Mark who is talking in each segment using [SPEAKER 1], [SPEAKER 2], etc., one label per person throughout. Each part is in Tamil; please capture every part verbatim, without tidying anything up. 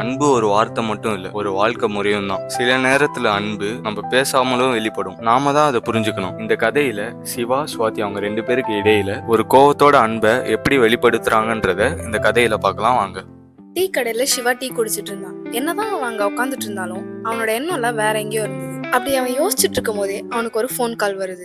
[SPEAKER 1] அன்பு ஒரு வார்த்தை மட்டும் இல்ல, ஒரு வாழ்க்கை முறையும் தான். சில நேரத்துல அன்பு நம்ம பேசாமலும் வெளிப்படும், நாம தான் அதை புரிஞ்சுக்கணும். இந்த கதையில சிவா சுவாதி அவங்க ரெண்டு பேருக்கு இடையில ஒரு கோவத்தோட அன்பை எப்படி வெளிப்படுத்துறாங்கன்றத இந்த கதையில பார்க்கலாம் வாங்க.
[SPEAKER 2] டீ கடையில சிவா டீ குடிச்சிட்டு இருந்தான். என்னதான் அவன் அங்க உட்காந்துட்டு இருந்தாலும் அவனோட எண்ணம் எல்லாம் வேற எங்கேயோ இருந்தது. அப்படி அவன் யோசிச்சுட்டு இருக்கும் போதே அவனுக்கு ஒரு ஃபோன் கால் வருது.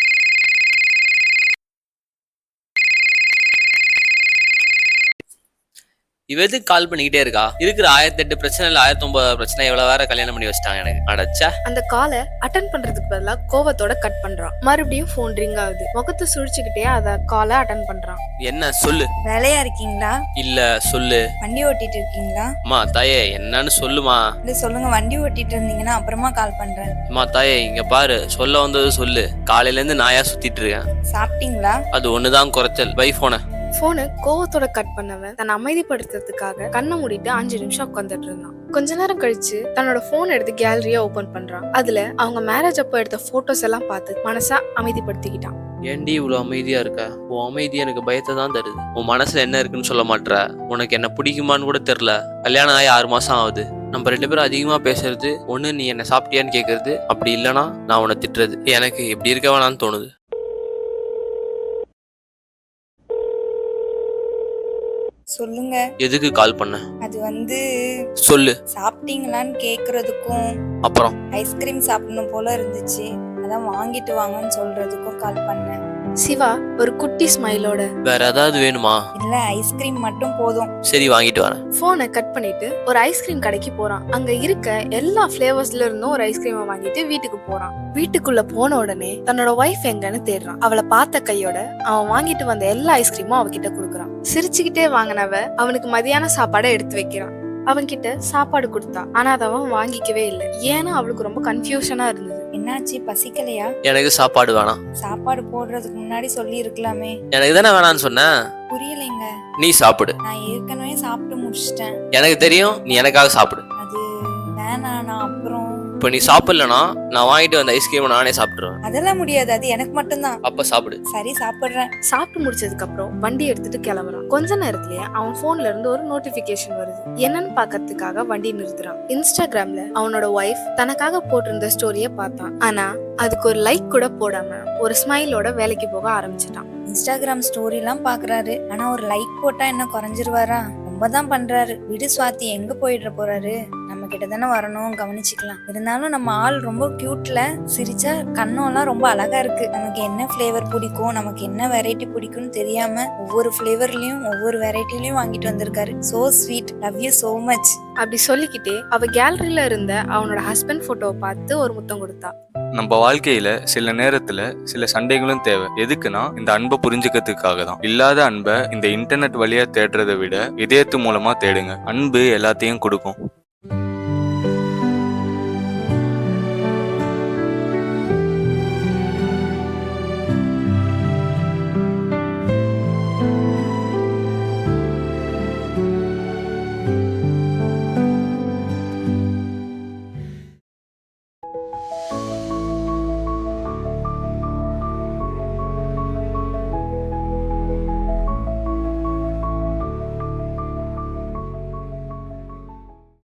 [SPEAKER 3] இவ எதுக்கு கால் பண்ணிக்கிட்டே இருக்கா? இருக்கிற ஆயிரத்தி எட்டு பிரச்சனை இல்ல ஆயிரத்தி ஒன்பது பிரச்சனை இவ்வளவு வேற கல்யாணம் பண்ணி வச்சிட்டாங்க எனக்கு. அடச்சா.
[SPEAKER 2] அந்த காலை அட்டன் பண்றதுக்கு பதிலா கோவத்தோட கட் பண்றான். மறுபடியும் போன் ரிங் ஆகுது. முகத்தை சுழிச்சுக்கிட்டே அத காலை அட்டன் பண்றான்.
[SPEAKER 3] என்ன சொல்லு.
[SPEAKER 4] வேலையா இருக்கீங்களா?
[SPEAKER 3] இல்ல சொல்லு.
[SPEAKER 4] வண்டி ஓட்டிட்டு இருக்கீங்களா?
[SPEAKER 3] அம்மா தாயே என்னன்னு சொல்லுமா.
[SPEAKER 4] இல்ல சொல்லுங்க, வண்டி ஓட்டிட்டு இருந்தீங்கன்னா அப்புறமா கால் பண்றேன்.
[SPEAKER 3] அம்மா தாயே இங்க பாரு, சொல்ல வந்தது சொல்லு. காலையில இருந்து நாயா சுத்திட்டு இருக்கேன்.
[SPEAKER 4] சாப்பிட்டீங்களா?
[SPEAKER 3] அது ஒண்ணுதான் குறைச்சல். பை போன
[SPEAKER 2] போனை கோவத்தோட கட் பண்ணவன் தன்னை அமைதிப்படுத்துறதுக்காக கண்ணை மூடிட்டு அஞ்சு நிமிஷம் உட்காந்துட்டு இருந்தான். கொஞ்ச நேரம் கழிச்சு தன்னோட போன் எடுத்து கேலரியா ஓபன் பண்றான். அதுல அவங்க மேரேஜ் அப்போ எடுத்த போட்டோஸ் எல்லாம் பார்த்து மனசா அமைதிப்படுத்திக்கிட்டான்.
[SPEAKER 3] ஏண்டி இவ்வளவு அமைதியா இருக்க? உன் அமைதி எனக்கு பயத்தை தான் தருது. உன் மனசுல என்ன இருக்குன்னு சொல்ல மாட்ற. உனக்கு என்ன பிடிக்குமான்னு கூட தெரியல. கல்யாணம் ஆகி ஆறு மாசம் ஆகுது. நம்ம ரெண்டு பேரும் அதிகமா பேசுறது ஒண்ணு நீ என்ன சாப்பிட்டியான்னு கேக்குறது, அப்படி இல்லைன்னா நான் உன்னை திட்டுறது. எனக்கு எப்படி இருக்க வேணான்னு தோணுது.
[SPEAKER 4] சொல்லுங்க.
[SPEAKER 3] எதுக்கு கால் பண்ண?
[SPEAKER 4] அது வந்து
[SPEAKER 3] சொல்லு.
[SPEAKER 4] சாப்பிட்டீங்களான்னு கேக்குறதுக்கும்
[SPEAKER 3] அப்புறம்
[SPEAKER 4] ஐஸ்கிரீம் சாப்பிடணும் போல இருந்துச்சு, அதான் வாங்கிட்டு வாங்கன்னு சொல்றதுக்கும் கால் பண்ணேன்.
[SPEAKER 2] சிவா ஒரு குட்டி ஸ்மைலோட,
[SPEAKER 3] வேற ஏதாவது வேணுமா?
[SPEAKER 4] இல்ல ஐஸ்கிரீம் மட்டும் போதும்.
[SPEAKER 3] சரி வாங்கிட்டு வரேன்.
[SPEAKER 2] போனை கட் பண்ணிட்டு ஒரு ஐஸ்கிரீம் கடைக்கு போறான். அங்க இருக்க எல்லா பிளேவர்ஸ்ல இருந்தும் ஒரு ஐஸ்கிரீமை வாங்கிட்டு வீட்டுக்கு போறான். வீட்டுக்குள்ள போன உடனே தன்னோட ஒய்ஃப் எங்கன்னு தேடுறான். அவளை பார்த்த கையோட அவன் வாங்கிட்டு வந்த எல்லா ஐஸ்கிரீமும் அவகிட்ட கொடுக்குறான். சிரிச்சுக்கிட்டே வாங்கினவ அவனுக்கு மதியான சாப்பாடை எடுத்து வைக்கிறான். அவன்கிட்ட சாப்பாடு கொடுத்தா, ஆனா அதை அவன் வாங்கிக்கவே இல்லை. ஏன்னா அவளுக்கு ரொம்ப கன்ஃபியூஷனா இருந்தது.
[SPEAKER 4] என்னாச்சு, பசிக்கலையா?
[SPEAKER 3] எனக்கு சாப்பாடு வேணாம்.
[SPEAKER 4] சாப்பாடு போடுறதுக்கு முன்னாடி சொல்லி இருக்கலாமே.
[SPEAKER 3] எனக்கு தானே வேணான்னு சொன்ன.
[SPEAKER 4] புரியலைங்க.
[SPEAKER 3] நீ சாப்பிடு.
[SPEAKER 4] நான் ஏற்கனவே சாப்பிட்டு முடிச்சிட்டேன்.
[SPEAKER 3] எனக்கு தெரியும், நீ எனக்காக சாப்பிடு.
[SPEAKER 4] அது வேணா, நான் அப்புறம்.
[SPEAKER 3] இப்ப நீ சாப்பிடலனா நான் வாங்கிட்டு வந்த ஐஸ்கிரீம் நானே சாப்பிட்டுருவேன்.
[SPEAKER 4] அதெல்லாம் முடியாது, அது எனக்கு மட்டும்தான்.
[SPEAKER 3] அப்ப சாப்பிடு.
[SPEAKER 4] சரி சாப்பிடுறேன்.
[SPEAKER 2] சாப்பிட்டு முடிச்சதுக்கு அப்புறம் வண்டி எடுத்துட்டு கிளம்புறான். கொஞ்ச நேரத்திலேயே அவன் போன்ல இருந்து ஒரு நோட்டிபிகேஷன் வருது. என்னன்னு பாக்கிறதுக்காக வண்டி நிறுத்துறான். இன்ஸ்டாகிராம்ல அவனோட ஒய்ஃப் தனக்காக போட்டிருந்த ஸ்டோரிய பார்த்தான். ஆனா அதுக்கு ஒரு லைக் கூட போடாம ஒரு ஸ்மைலோட வேலைக்கு போக ஆரம்பிச்சிட்டான்.
[SPEAKER 4] இன்ஸ்டாகிராம் ஸ்டோரி எல்லாம் பாக்குறாரு, ஆனா ஒரு லைக் போட்டா என்ன குறைஞ்சிருவாரா? ரொம்ப தான் பண்றாரு. விடு சுவாதி, எங்க போயிடுற போறாரு? நம்ம கிட்ட தானே வரணும், கவனிச்சுக்கலாம். இருந்தாலும் நம்ம ஆள் ரொம்ப கியூட்ல, சிரிச்சா கண்ணெல்லாம் ரொம்ப அழகா இருக்கு. நமக்கு என்ன ஃபிளேவர் பிடிக்கும், நமக்கு என்ன வெரைட்டி பிடிக்கும்னு தெரியாம ஒவ்வொரு ஃபிளேவர்லயும் ஒவ்வொரு வெரைட்டிலயும் வாங்கிட்டு வந்திருக்காரு. So sweet, love you so much.
[SPEAKER 2] அப்படி சொல்லிக்கிட்டே அவ கேலரியில இருந்த அவனோட ஹஸ்பண்ட் போட்டோவை பார்த்து ஒரு முத்தம் கொடுத்தா.
[SPEAKER 1] நம்ம வாழ்க்கையில சில நேரத்துல சில சண்டைகளும் தேவை. எதுக்குன்னா இந்த அன்பை புரிஞ்சுக்கிறதுக்காக தான். இல்லாத அன்பை இந்த இன்டர்நெட் வழியா தேடுறதை விட இதயத்து மூலமா தேடுங்க. அன்பு எல்லாத்தையும் கொடுக்கும்.